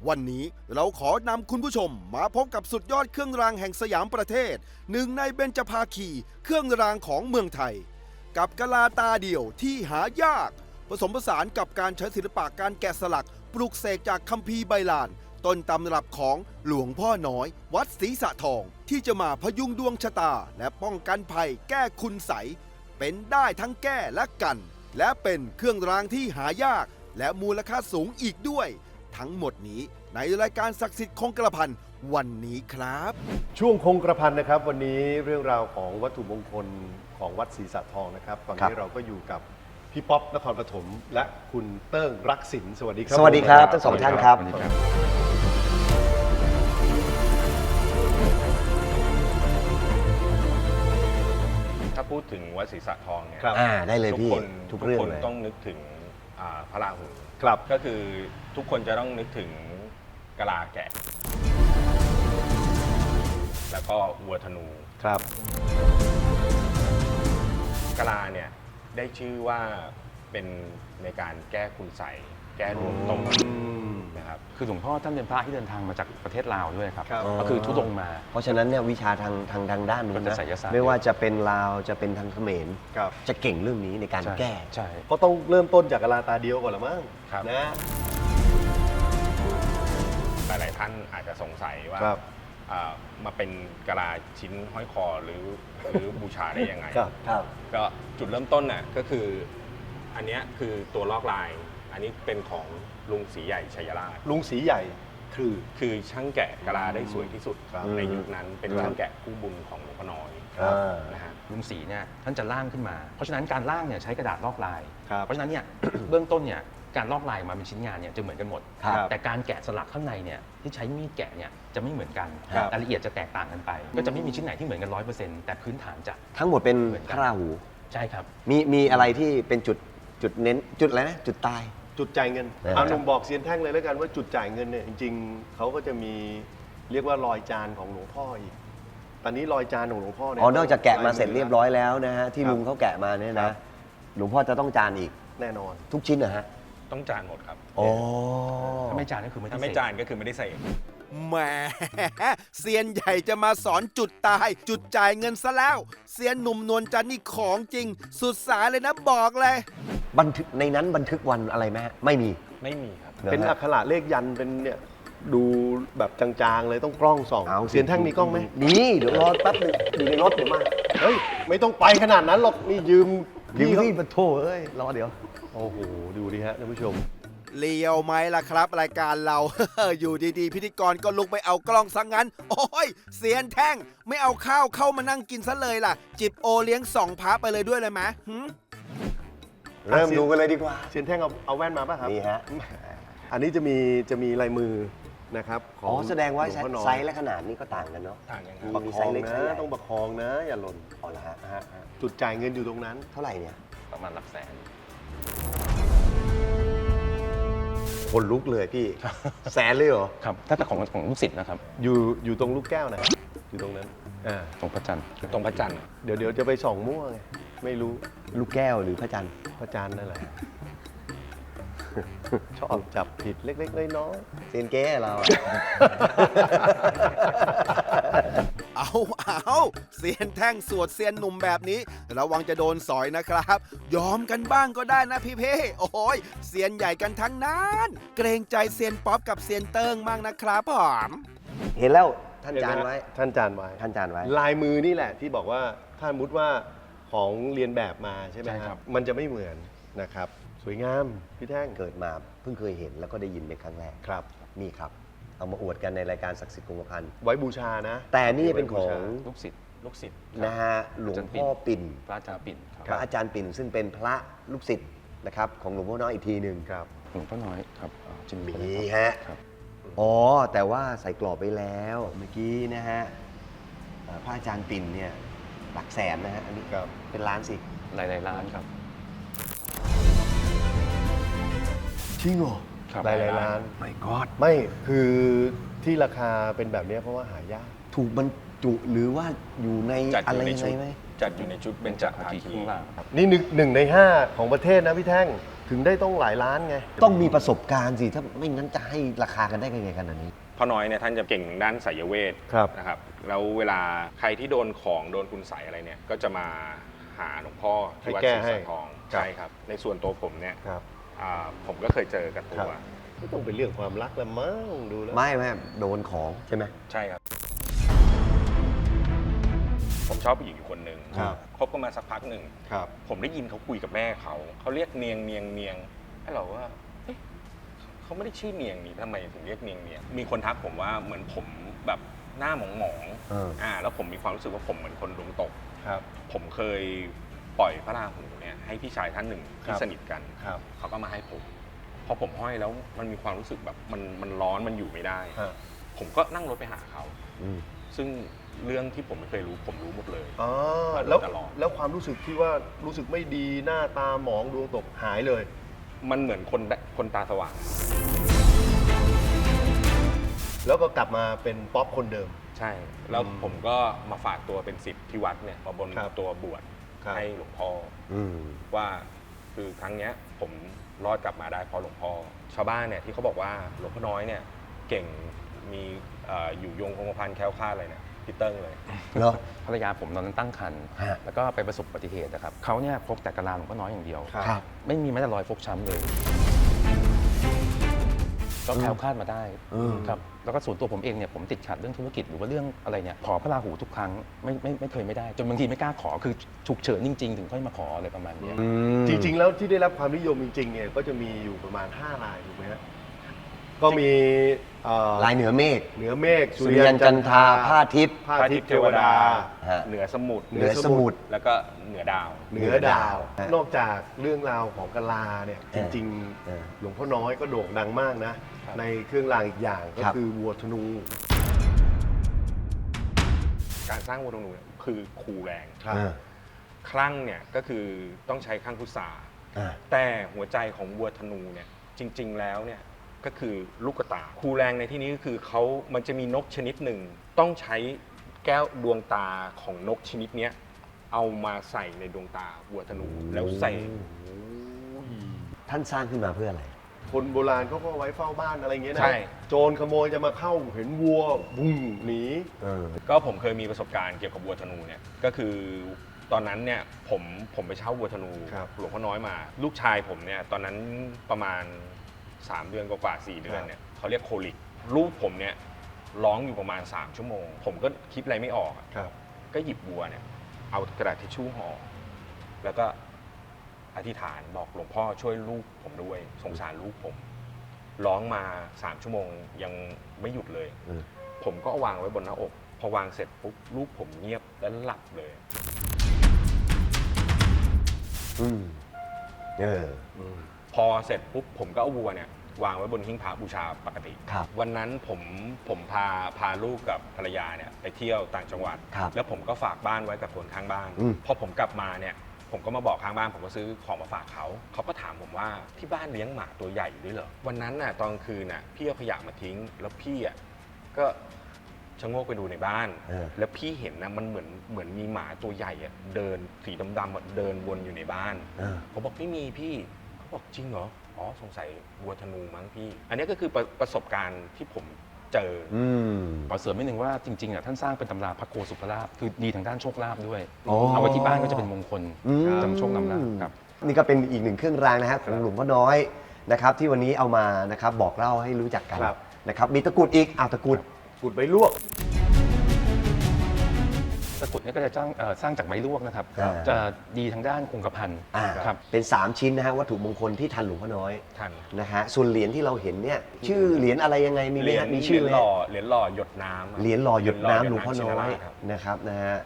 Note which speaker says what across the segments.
Speaker 1: วันนี้เราขอนำคุณผู้ชมมาพบกับสุดยอดเครื่องรางแห่งสยามประเทศหนึ่งในเบญจภาคีเครื่องรางของเมืองไทย กับกะลาตาเดี่ยวที่หายากผสมผสานกับการใช้ศิลปะการแกะสลักปลุกเสกจากคัมภีร์ใบลานต้นตำรับของหลวงพ่อน้อยวัดศรีสะทองที่จะมาพยุงดวงชะตาและป้องกันภัยแก้คุณไสยเป็นได้ทั้งแก้และกัน และเป็นเครื่องรางที่หายากและมูลค่าสูงอีกด้วยทั้งหมดนี้ในรายการศักดิ์สิทธิ์คงกระพันวันนี้ครับ
Speaker 2: ช่วงคงกระพันนะครับวันนี้เรื่องราวของวัตถุมงคลของวัดศรีสะทองนะครับตอนนี้เราก็อยู่กับพี่ป๊อปนครปฐมและคุณเติ้งรักสินสวัสดีครับ
Speaker 3: สวัสดีครับทั้งสองท่านครับ
Speaker 4: ถ้าพูดถึงวัดศรีสะทองเนี่ย
Speaker 3: ได้เลยพี่ทุกเรื่อง
Speaker 4: คน
Speaker 3: เลย
Speaker 4: ต้องนึกถึงพระราหู
Speaker 2: ครับ
Speaker 4: ก็คือทุกคนจะต้องนึกถึงกะลาแกะ แล้วก็วัวธนู
Speaker 2: ครับ
Speaker 4: กะลาเนี่ยได้ชื่อว่าเป็นในการแก้คุณไสยแก้ดวงตกนะครับ
Speaker 5: คือหลวงพ่อท่านเป็นพระที่เดินทางมาจากประเทศลาวด้วยครับ
Speaker 2: ครับ
Speaker 5: ก็คือทุดงค์มา
Speaker 3: เพราะฉะนั้นเนี่ยวิชาทางด้านนู้น
Speaker 5: ก็จะ
Speaker 3: นะ
Speaker 5: ไสยศาสตร์
Speaker 3: ไม่ว่าจะเป็นลาวจะเป็นทางเขมร
Speaker 2: ครับ
Speaker 3: จะเก่งเรื่องนี้ในการ
Speaker 5: ใช่
Speaker 3: แก้
Speaker 5: ใช่
Speaker 2: ก็ต้องเริ่มต้นจากกะลาตาเดียวก่อนละมั้ง
Speaker 4: ครับ
Speaker 2: นะ
Speaker 4: หลายๆท่านอาจจะสงสัยว่า
Speaker 2: ครับ
Speaker 4: มาเป็นกะลาชิ้นห้อยคอหรือบูชาได้ยังไง
Speaker 2: ครับ
Speaker 3: ครับ
Speaker 4: ก็จุดเริ่มต้นน่ะก็คืออันเนี้ยคือตัวลอกลาย อันนี้เป็นของลุงศรีใหญ่ชัยราช
Speaker 2: ลุงสีใหญ่คือ
Speaker 4: คือช่างแกะกะลาได้สวยที่สุด
Speaker 2: ครับ
Speaker 4: ในยุคนั้นเป็นช่างแกะคู่บุญของหลวงพ่อน้อย
Speaker 2: ครับ
Speaker 4: นะฮะ
Speaker 5: ลุงศรีเนี่ยท่านจะล่างขึ้นมา เพราะฉะนั้นการล่างเนี่ยใช้กระดาษลอกลาย
Speaker 2: ครับ
Speaker 5: เพราะฉะนั้นเนี่ย เบื้องต้นเนี่ยการลอกลายมาเป็นชิ้นงานเนี่ยจะเหมือนกันหมด
Speaker 3: ครับ
Speaker 5: แต่การแกะสลักข้างในเนี่ยที่ใช้มีดแกะเนี่ยจะไม่เหมือนกัน
Speaker 2: ครับ
Speaker 5: รายละเอียดจะแตกต่างกันไป ก็จะไม่มีชิ้นไหนที่เหมือนกัน 100%แต่พื้นฐานจะ
Speaker 3: ทั้งหมดเป็น
Speaker 5: เหมือนกัน
Speaker 3: พระราหู
Speaker 5: ใช่ครับ
Speaker 3: มีอะไรที่เป็นจุดเน้นจุดอะไรนะจุดตาย
Speaker 2: จุดจ่ายเงิน
Speaker 3: ครับ
Speaker 2: เอาหนุ่มบอกเซียนแท่งเลยแล้วกันว่าจุดจ่ายเงินเนี่ยจริงๆเขาก็จะมีเรียกว่ารอยจานของหลวงพ่ออีก ตอนนี้รอยจานของหลวงพ่อเนี่ย
Speaker 3: อ๋อนอกจากแกะมาเสร็จเรียบร้อยแล้วนะฮะที่
Speaker 2: ครับ
Speaker 3: ลุงเขาแกะมาเนี่ย
Speaker 2: ครั
Speaker 3: นะ
Speaker 2: บ
Speaker 3: หลวงพ่อจะต้องจานอีก
Speaker 2: แน่นอน
Speaker 3: ทุกชิ้นนะฮะ
Speaker 4: ต้องจานหมดครับ
Speaker 3: โอ้
Speaker 5: ถ้าไม่จานก็คือไม่ต้
Speaker 4: ถ้า
Speaker 5: อง
Speaker 4: ไม่
Speaker 5: เสก
Speaker 4: จานก็คือไม่ได้ใส่
Speaker 1: แหมเซียนใหญ่จะมาสอนจุดตาย จุดจ่ายเงินซะแล้วเซียนหนุ่มนวลจันทร์นี่ของจริง สุดสายเลยนะบอกเลย
Speaker 3: บันทึกในนั้นบันทึกวันอะไรไหมฮะไม่มี
Speaker 4: ไม่มีครับ
Speaker 2: เป็นอักขระเลขยันต์เป็นเนี่ยดูแบบจางๆเลยต้องกล้องส่อง
Speaker 3: เอา
Speaker 2: เซียนแท่งมีกล้องไหม
Speaker 3: นี่เดี๋ยวรอแป๊บหนึงอยู่ในรถเดี๋ยวมา
Speaker 2: เฮ้ยไม่ต้องไปขนาดนั้นหรอกนี่ยืม
Speaker 3: ยืม
Speaker 2: เขา
Speaker 3: ที่ปะโถเอ้ยรอเดี๋ยว
Speaker 2: โอ้โหดูดิฮะท่านผู้ชม
Speaker 1: เลียวไหมล่ะครับรายการเรา อยู่ดีๆ พิธีกรก็ลุกไปเอากล้องซะงั้น โอ้ยเสียนแท่งไม่เอาข้าวเข้ามานั่งกินซะเลยล่ะ จิบโอเลี้ยงสองพระไปเลยด้วยเลยไหมหึ
Speaker 3: เริ่มดูกันเลยดีกว่า
Speaker 2: เซียนแท่งเอาแว่นมาป่ะครับ
Speaker 3: นี่ฮะ
Speaker 2: อันนี้จะมีลายมือนะครับข
Speaker 3: อ๋อแสดงว่า
Speaker 2: หลพ่อน้อย
Speaker 3: ไซส์และขนาดนี้ก็ต่างกันเนาะ
Speaker 4: ต่างกันครับ
Speaker 2: ประ
Speaker 3: มี
Speaker 2: ค
Speaker 3: ไซ
Speaker 2: อง
Speaker 3: ส์เล็ก
Speaker 2: นะ
Speaker 3: ไซส์ใหญ่
Speaker 2: ต้องประคองนะอย่าหล่น
Speaker 3: เอาละฮะ
Speaker 2: ฮะจุดจ่ายเงินอยู่ตรงนั้น
Speaker 3: เท่าไหร่เนี่ย
Speaker 5: ประมาณหลักแสน
Speaker 3: คนลุกเลยพี่ แสนเลยเหรอ
Speaker 5: ครับถ้าแต่ของลูกศิษย์นะครับ
Speaker 2: อยู่ตรงลูกแก้วนะอยู่ตรงนั้นอ่า
Speaker 5: ตรงพระจันทร์
Speaker 4: ตรงพระจันทร์
Speaker 2: เดี๋ยวจะไปส่องมั่วไงไม่รู้
Speaker 3: ลูกแก้วหรือพระจันทร์
Speaker 2: พระจันทร์นั่นแหละ ชอบจับผิดเล็กๆน้อย
Speaker 3: เซียนเก้เราอะ
Speaker 1: เอาเสียนแท่งสวดเสียนหนุ่มแบบนี้ ระวังจะโดนสอยนะครับ ยอมกันบ้างก็ได้นะพี่เพ่โอ้ยเสียนใหญ่กันทั้งนั้น เกรงใจเซียนป๊อปกับเซียนเติ้งมากนะครับผม
Speaker 3: เห็นแล้วท่าน
Speaker 2: ๆ
Speaker 3: จานไว้
Speaker 2: ท่านจานไว้
Speaker 3: ท่านจานไว้
Speaker 2: ลายมือนี่แหละที่บอกว่าถ้ามุดว่าของเรียนแบบมาใช่ไหม
Speaker 5: ใช่
Speaker 2: ค
Speaker 5: ครั
Speaker 2: รับ
Speaker 5: บ
Speaker 2: มันจะไม่เหมือนนะครับ สวยงามพี่แท่ง
Speaker 3: เกิดมาเพิ่งเคยเห็นแล้วก็ได้ยินเป็นครั้งแรก
Speaker 2: ครับ
Speaker 3: นี่ครับ เอามาอวดกันในรายการศักดิ์สิทธิ์คงกระพัน
Speaker 2: ไว้บูชานะ
Speaker 3: แต่นี่เป็นของ
Speaker 5: ลูกศิษย์
Speaker 4: ลูกศิษย์
Speaker 3: นะฮะหลวงพ่อปิ่น
Speaker 5: พระอาจารย์ปิ่นครับ
Speaker 3: พระอาจารย์ปิ่นซึ่งเป็นพระลูกศิษย์นะครับของหลวงพ่อน้อยอีกทีหนึ่ง
Speaker 2: ครับ
Speaker 5: หลวงพ่อน้อยครับจิม
Speaker 3: มี
Speaker 5: มี่
Speaker 3: ฮะ
Speaker 5: ครับ
Speaker 3: อ๋อแต่ว่าใส่กรอบไปแล้วเมื่อกี้นะฮะพระอาจารย์ปิ่นเนี่ยหลักแสนนะฮะอันนี้
Speaker 2: ครับ
Speaker 3: เป็นล้านสิ
Speaker 5: หลายๆล้านครับ
Speaker 3: จริงเหรอ
Speaker 5: ครับ
Speaker 2: หลายๆล้าน
Speaker 3: ไม่กอด
Speaker 2: ไม่คือที่ราคาเป็นแบบนี้เพราะว่าหายาก
Speaker 3: ถูกบรรจุหรือว่าอยู่ใน
Speaker 4: จัดอ
Speaker 3: อะไร
Speaker 4: ยู่ใน
Speaker 3: ยัง
Speaker 4: ชุ
Speaker 3: ไง
Speaker 4: ด
Speaker 3: ไหม
Speaker 4: จัดอยู่ในชุดเบญจภา
Speaker 5: ภาคี
Speaker 4: คี
Speaker 5: ข้างล่าง
Speaker 2: นี่หนึ่งใน 5 ของประเทศนะพี่แท่งถึงได้ต้องหลายล้านไง
Speaker 3: ต้องมีประสบการณ์สิ ถ้าไม่งั้นจะให้ราคากันได้ยังไงขนาดนี้
Speaker 4: พ่อน้อยเนี่ยท่านจะเก่งทางด้านไสยเวท
Speaker 2: ครับ
Speaker 4: นะครับแล้วเวลาใครที่โดนของโดนคุณไสยอะไรเนี่ยก็จะมาหาหลวงพ่อที่วัดศรีสะทองใช่ครับในส่วนตัวผมเนี่ย
Speaker 2: ครับ
Speaker 4: ผมก็เคยเจอกับตัว
Speaker 2: ก็ต้องเป็นเรื่องความรักละมั้งดูแล้ว
Speaker 3: ไม่โดนของใช่ไหม
Speaker 4: ใช่ครับ ผมชอบผู้หญิงอยู่คนหนึ่ง
Speaker 2: ครับ
Speaker 4: คบกันมาสักพักหนึ่ง
Speaker 2: ครับ
Speaker 4: ผมได้ยินเขาคุยกับแม่เขาเรียกเนียงให้เราว่าเอ๊ะเขาไม่ได้ชื่อเนียงนี่ทำไมถึงเรียกเนียงมีคนทักผมว่าเหมือนผมแบบหน้าหมอง แล้วผมมีความรู้สึกว่าผมเหมือนคนดวงตก
Speaker 2: ครับ
Speaker 4: ผมเคยปล่อยพระราหูเนี่ยให้พี่ชายท่านหนึ่ง
Speaker 2: ค
Speaker 4: ที่
Speaker 2: รับ
Speaker 4: สนิทกัน
Speaker 2: ครับ
Speaker 4: เขาก็มาให้ผมพอผมห้อยแล้วมันมีความรู้สึกแบบมันร้อนมันอยู่ไม่ได้
Speaker 2: ฮะ
Speaker 4: ผมก็นั่งรถไปหาเขา
Speaker 3: อืม
Speaker 4: ซึ่งเรื่องที่ผมไม่เคยรู้ผมรู้หมดเลย
Speaker 2: อ๋อ
Speaker 4: มาโดย
Speaker 2: แล้ว
Speaker 4: ตลอด
Speaker 2: แล้วความรู้สึกที่ว่ารู้สึกไม่ดีหน้าตาหมองดวงตกหายเลย
Speaker 4: มันเหมือนคนตาสว่าง
Speaker 2: แล้วก็กลับมาเป็นป๊อปคนเดิม
Speaker 4: ใช่ แล้วผมก็มาฝากตัวเป็นศิษย์ที่วัดเนี่ยมาบน
Speaker 2: ครับ
Speaker 4: ตัวบวช
Speaker 2: ครับ
Speaker 4: ให้หลวงพ่อ
Speaker 3: อืม
Speaker 4: ว่าคือครั้งเนี้ยผมรอดกลับมาได้เพราะหลวงพ่อ ชาวบ้านเนี่ยที่เขาบอกว่าหลวงพ่อน้อยเนี่ยเก่งมีอยู่ยงคงกระพันแคล้วคลาดอะไรเนี่ยพี่เติ้งเลย
Speaker 3: เหรอ
Speaker 5: ภรรยาผมตอนนั้นตั้งครรภ์
Speaker 3: ฮะ
Speaker 5: แล้วก็ไปประสบอุบัติเหตุนะครับเขาเนี่ยพกแต่กระลาหลวงพ่อน้อยอย่างเดียว
Speaker 3: ครับ
Speaker 5: ไม่มีแม้แต่รอยฟกช้ำเลย ก็แคล้วคลาดมาได้
Speaker 3: อืม
Speaker 5: ครับแล้วก็ส่วนตัวผมเองเนี่ยผมติดขัดเรื่องธุรกิจหรือว่าเรื่องอะไรเนี่ยขอพระราหูทุกครั้งไม่เคยไม่ได้ จนบางทีไม่กล้าขอคือฉุกเฉินจริง ๆ ถึงค่อยมาขออะไรประมาณเนี้ย
Speaker 2: จริงๆ แล้วที่ได้รับความนิยมจริงๆ เนี่ยก็จะมีอยู่ประมาณ5รายถูกไหมฮะก็มี
Speaker 3: ลายเหนือเมฆ
Speaker 2: เหนือเมฆ
Speaker 3: สุริยันจันทราผ้าทิพย์
Speaker 2: ผ้าทิพย์เทวดา
Speaker 3: ฮะ
Speaker 4: เหนือสมุทร
Speaker 3: เหนือสมุทร
Speaker 4: แล้วก็เหนือดาว
Speaker 2: เหนือดาว
Speaker 3: ฮะ
Speaker 2: นอกจากเรื่องราวของกะลาเนี่ยจริง
Speaker 3: เออ
Speaker 2: ๆ หลวงพ่อน้อยก็โด่งดังมากนะ ในเครื่องรางอีกอย่างก็
Speaker 3: ครับ
Speaker 2: คือวัวธนู
Speaker 4: การสร้างวัวธนูเนี่ยคือคูแรง
Speaker 2: ครับ
Speaker 3: อ่า
Speaker 4: คลั่งเนี่ยก็คือต้องใช้คลั่งพุทรา
Speaker 3: อ่า
Speaker 4: แต่หัวใจของวัวธนูเนี่ยจริง ๆ แล้วเนี่ยก็คือลูกตาคูแรงในที่นี้ก็คือมันจะมีนกชนิดหนึ่งต้องใช้แก้วดวงตาของนกชนิดเนี้ยเอามาใส่ในดวงตาวัวธนูแล้วใส่
Speaker 3: ท่านสร้างขึ้นมาเพื่ออะไร
Speaker 2: คนโบราณเขาก็เอาไว้เฝ้าบ้านอะไรเงี้ยนะ
Speaker 4: ใช่
Speaker 2: โจรขโมยจะมาเข้าเห็นวัวบุ้งหนี
Speaker 4: ก็ผมเคยมีประสบการณ์เกี่ยวกับวัวธนูเนี่ยก็คือตอนนั้นเนี่ยผมไปเช่าวัวธนู
Speaker 2: ครับ
Speaker 4: หลวงพ่อน้อยมา ลูกชายผมเนี่ยตอนนั้นประมาณ 3 เดือนกว่าๆ4 เดือนเนี่ยเขาเรียกโคลิกลูกผมเนี่ยร้องอยู่ประมาณ3 ชั่วโมง ผมก็คิดอะไรไม่ออกอะ
Speaker 2: ครับ
Speaker 4: ก็หยิบวัวเนี่ยเอากระดาษทิชชู่ห่อแล้วก็อธิษฐานบอกหลวงพ่อช่วยลูกผมด้วยสงสารลูกผมร้องมา3 ชั่วโมงยังไม่หยุดเลย ผมก็เอาวางไว้บนหน้าอก พอวางเสร็จปุ๊บลูกผมเงียบแล้วหลับเลย
Speaker 3: อืมเออ
Speaker 4: พอเสร็จปุ๊บผมก็เอาวัวเนี่ยวางไว้บนหิ้งพระบูชาปกติ
Speaker 3: ครับ
Speaker 4: วันนั้นผมพาลูกกับภรรยาเนี่ยไปเที่ยวต่างจังหวัด
Speaker 3: ครับ
Speaker 4: แล้วผมก็ฝากบ้านไว้กับคนข้างบ้าน
Speaker 3: อืม
Speaker 4: พอผมกลับมาเนี่ยผมก็มาบอกข้างบ้านผมก็ซื้อของมาฝากเขาก็ถามผมว่าที่บ้านเลี้ยงหมาตัวใหญ่อยู่ด้วยเหรอวันนั้นน่ะตอนกลางคืนน่ะพี่เอาขยะมาทิ้ง แล้วพี่อ่ะก็ชะโงกไปดูในบ้าน
Speaker 3: เออ
Speaker 4: แล้วพี่เห็นนะมันเหมือนมีหมาตัวใหญ่อะเดินสีดำๆอะเดินวนอยู่ในบ้าน ผมบอกไม่มีพี่เขาบอกจริงเหรออ๋อสงสัยวัวธนูมั้งพี่ อันนี้ก็คือประสบการณ์ที่ผมเจอ
Speaker 5: ขอเสริมนิดนึงว่าจริงๆอ่ะท่านสร้างเป็นตำราพระโกสุภราภคือดีทางด้านโชคลาภด้วย
Speaker 3: อ๋อ
Speaker 5: เอาไว้ที่บ้านก็จะเป็นมงคล
Speaker 3: อืม
Speaker 5: จำโชคนำลาภครับ
Speaker 3: นี่ก็เป็นอีกหนึ่งเครื่องรางนะฮะของหลวงพ่อน้อยนะครับ ที่วันนี้เอามานะครับบอกเล่าให้รู้จักกัน
Speaker 2: ครับ
Speaker 3: นะครับ มีตะกรุดอีกตะกรุด
Speaker 2: กุดใบลวก
Speaker 5: ตะกรุดเนี่ยก็จะสร้างจากไม้ลวกนะครับ
Speaker 3: อ่า
Speaker 5: จะดีทางด้านคงกระพัน ครับ
Speaker 3: เป็น 3 ชิ้นนะฮะวัตถุมงคลที่ทันหลวงพ่อน้อย
Speaker 4: ทัน
Speaker 3: นะฮะส่วนเหรียญที่เราเห็นเนี่ยชื่อเหรียญอะไรยังไงมีไหมฮะมีชื่อไหม
Speaker 4: เหรียญหล่อหยดน้ำอะ
Speaker 3: เหรียญหล่อหยดน้ำหลวงพ่อน้อย
Speaker 4: ครับ
Speaker 3: นะครับนะฮะ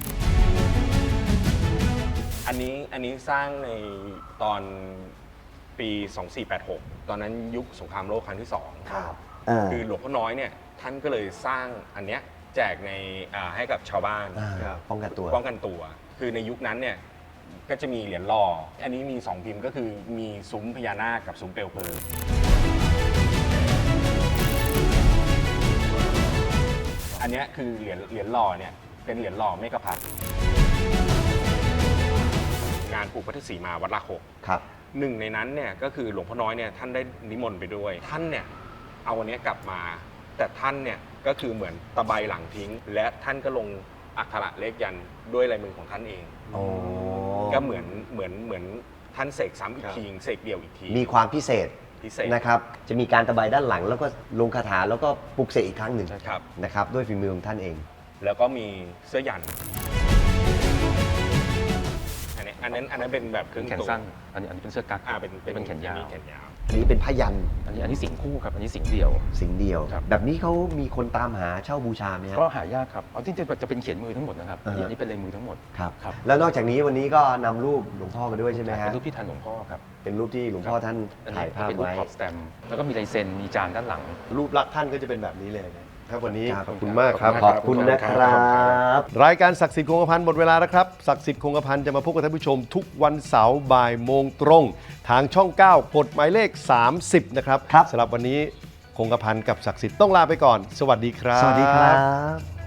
Speaker 4: อันนี้สร้างในตอนปี 2486 ตอนนั้นยุคสงครามโลกครั้งที่2คือหลวงพ่อน้อยเนี่ยท่านก็เลยสร้างอันเนี้ยแจกในให้กับชาวบ้าน
Speaker 2: ครับ
Speaker 3: ป้องกันตัว
Speaker 4: ป้องกันตัว คือในยุคนั้นเนี่ยก็จะมีเหรียญหล่อ อันนี้มี 2 พิมพ์ก็คือมีซุ้มพญานาคกับซุ้มเปลวเพลิง อันเนี้ยคือเหรียญหล่อเนี่ยเป็นเหรียญหล่อเมฆพัฒน์งานปลูกพัทธสีมาวัดลาโขก
Speaker 3: ครับ
Speaker 4: หนึ่งในนั้นเนี่ยก็คือหลวงพ่อน้อยเนี่ยท่านได้นิมนต์ไปด้วย ท่านเนี่ยเอาอันเนี้ยกลับมา แต่ท่านเนี่ยก็คือเหมือนตะไบหลังทิ้ง และท่านก็ลงอักขระเลขยันต์ด้วยลายมือของท่านเอง
Speaker 3: โอ้
Speaker 4: ก็เหมือนท่านเสกซ้ำอีกทีเสกเดี่ยวอีกที
Speaker 3: มีความพิเศษ
Speaker 4: พิเศษ
Speaker 3: นะครับ จะมีการตะไบด้านหลัง แล้วก็ลงคาถาแล้วก็ปลุกเสกอีกครั้งหนึ่ง
Speaker 4: ครับ
Speaker 3: นะครับ ด้วยฝีมือของท่านเอง
Speaker 4: แล้วก็มีเสื้อยันต์อันนั้นเป็นแบบครึ่ง
Speaker 5: แขน
Speaker 4: ตัว
Speaker 5: สั้น อันนี้เป็นเสื้อกั๊ก
Speaker 4: เป็น
Speaker 5: แขนยาว
Speaker 4: แขนยาว
Speaker 3: อันนี้เป็นผ้ายัน
Speaker 5: อันนี้สิงคู่ครับ อันนี้สิงเดี่ยว
Speaker 3: สิ่งเดียว
Speaker 5: ครับ
Speaker 3: แบบนี้เขามีคนตามหาเช่าบูชาไหมฮะ
Speaker 5: ก็หายากครับเอาที่จะเป็นเขียนมือทั้งหมดนะครับ
Speaker 3: อ่าฮะ
Speaker 5: อันนี้เป็นลายมือทั้งหมด
Speaker 3: ครับ
Speaker 5: ครับ
Speaker 3: แล้วนอกจากนี้วันนี้ก็นำรูปหลวงพ่อมาด้วยใช่ไหมฮะ
Speaker 5: เป็นรูปที่ทันหลวงพ่อครับ
Speaker 3: เป็นรูปที่หลวงพ่อท่าน
Speaker 5: อัน
Speaker 3: ถ่า
Speaker 5: นี้
Speaker 3: ยภาพ
Speaker 5: เป็นรูป
Speaker 3: ไว้
Speaker 5: ท็อปสแตมป์แล้วก็มีลายเซ็น มีจานด้านหลัง
Speaker 2: รูปลักษณ์ท่านก็จะเป็นแบบนี้เลยนะครับวันนี้
Speaker 3: ครับ
Speaker 2: ขอบคุณมากครับ
Speaker 3: ขอบคุณนะครับ
Speaker 2: รายการศักดิ์สิทธิ์คงกระพันหมดเวลาแล้วครับศักดิ์สิทธิ์คงกระพันจะมาพบกับท่านผู้ชมทุกวันเสาร์บ่ายโมงตรง ทางช่อง 9 กดหมายเลข 30 นะครับ
Speaker 3: ครับ
Speaker 2: สำหรับวันนี้คงกระพันกับศักดิ์สิทธิ์ต้องลาไปก่อน สวัสดีครับ
Speaker 3: สวัสดีครับ